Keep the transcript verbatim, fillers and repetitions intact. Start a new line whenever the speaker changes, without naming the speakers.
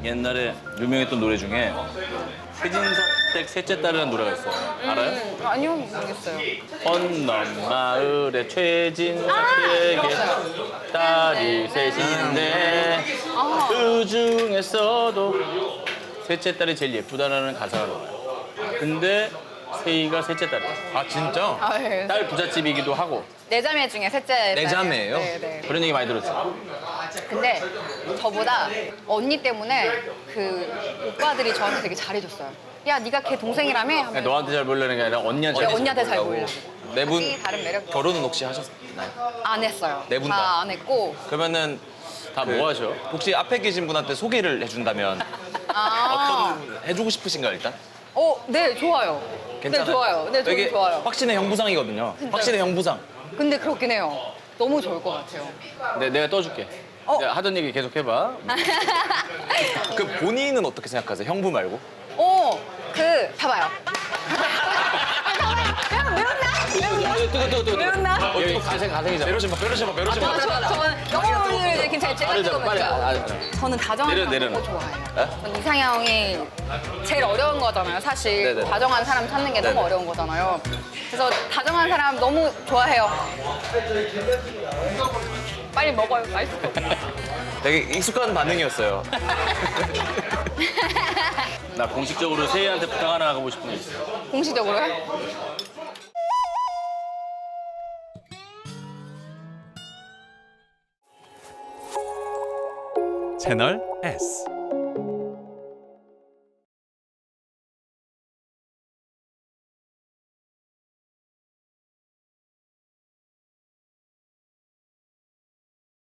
옛날에 유명했던 노래 중에 최진석댁 셋째 딸이라는 노래가 있어요. 알아요?
음, 아니요, 모르겠어요.
언넘 마을에 최진석댁에 딸이 셋인데
아.
그 중에서도 셋째 딸이 제일 예쁘다라는 가사가 나와요. 근데 세희가 셋째 딸이에요.
아 진짜?
아, 네.
딸 부잣집이기도 하고
네 자매 중에 셋째.
네 자매예요?
네, 네.
그런 얘기 많이 들었어요.
근데 저보다 언니 때문에 그 오빠들이 저한테 되게 잘해줬어요. 야, 네가 걔 동생이라며? 하면
그냥 너한테 잘 보려는 게 아니라 언니한테
네,
잘
언니한테 잘
보려고.
보이려고.
네 분
각기 다른 매력.
결혼은 혹시 하셨나요?
안 했어요.
네분 다?
다 안 했고.
그러면은
다
그
뭐 하셔?
혹시 앞에 계신 분한테 소개를 해준다면
아.
어떤 해주고 싶으신가요 일단?
어, 네, 좋아요.
괜찮아요?
네, 좋아요. 네, 저는
되게
좋아요.
확신의 형부상이거든요. 확신의 형부상.
근데 그렇긴 해요. 너무 좋을 것 같아요.
내, 내가 떠줄게.
어.
내가 하던 얘기 계속 해봐.
그 본인은 어떻게 생각하세요? 형부 말고?
어, 그, 봐봐요. 야, 매웠나?
뜨거 뜨거 뜨거.
매웠나?
여기 가생 가생이잖아.
메로시마 메로시마 메로시마.
저는 영어를 이제 괜찮아요. 제가
빠르잖아, 빨리. 아,
찍어봤죠.
아,
저는 다정한
내려,
사람
내려놔.
너무 좋아해요. 전 이상형이 제일 어려운 거잖아요, 사실.
네네.
다정한 사람 찾는 게
네네.
너무 어려운 거잖아요. 그래서 다정한 사람 너무 좋아해요. 빨리 먹어요, 맛있어.
되게 익숙한 반응이었어요.
나 공식적으로 세희한테 부탁 하나 하고 싶은 게 있어.
공식적으로요?
채널 S.